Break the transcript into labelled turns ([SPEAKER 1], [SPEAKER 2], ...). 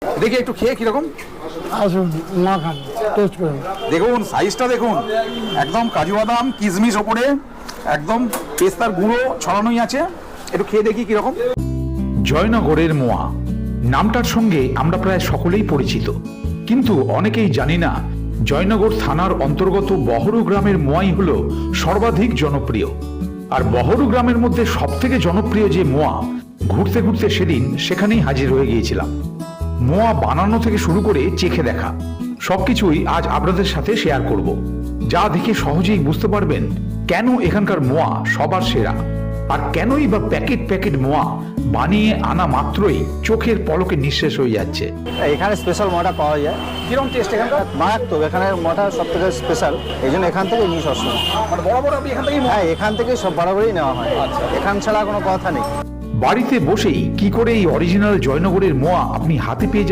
[SPEAKER 1] দেখি একটু খেয়ে কিরকম।
[SPEAKER 2] আসুন না খান, টেস্ট করুন।
[SPEAKER 1] দেখুন সাইজটা দেখুন, একদম কাজু বাদাম কিশমিশ ওপরে, একদম পেস্তার গুঁড়ো ছড়ানোই আছে। একটু খেয়ে দেখি কিরকম।
[SPEAKER 3] জয়নগরের মোয়া নামটার সঙ্গে আমরা প্রায় সকলেই পরিচিত, কিন্তু অনেকেই জানি না জয়নগর থানার অন্তর্গত বহরু গ্রামের মোয়াই হলো সর্বাধিক জনপ্রিয়। আর বহরু গ্রামের মধ্যে সব থেকে জনপ্রিয় যে মোয়া, ঘুরতে ঘুরতে সেদিন সেখানেই হাজির হয়ে গিয়েছিলাম। মোয়া বানানো থেকে শুরু করে চেখে দেখা সবকিছুই আজ আপনাদের সাথে শেয়ার করব, যা দেখে সহজেই বুঝতে পারবেন কেন এখানকার মোয়া সবার সেরা, আর কেনই বা প্যাকেট প্যাকেট মোয়া বানিয়ে আনা মাত্রই চোখের পলকে নিঃশেষ হয়ে যাচ্ছে।
[SPEAKER 4] এখানে স্পেশাল মোয়াটা পাওয়া যায়।
[SPEAKER 1] কিরকম টেস্ট এখানকার?
[SPEAKER 4] মারাত্মক, এখানে মোয়াটা সব থেকে স্পেশাল, এই জন্য এখান থেকে নিই সবসময়।
[SPEAKER 1] মানে বরাবর আপনি এখান থেকেই
[SPEAKER 4] হ্যাঁ, এখান থেকে সব বরাবরই নেওয়া হয়, এখান ছাড়া কোনো কথা নেই।
[SPEAKER 3] বাড়িতে বসেই কি করে এই অরিজিনাল জয়নগরের মোয়া আপনি হাতে পেয়ে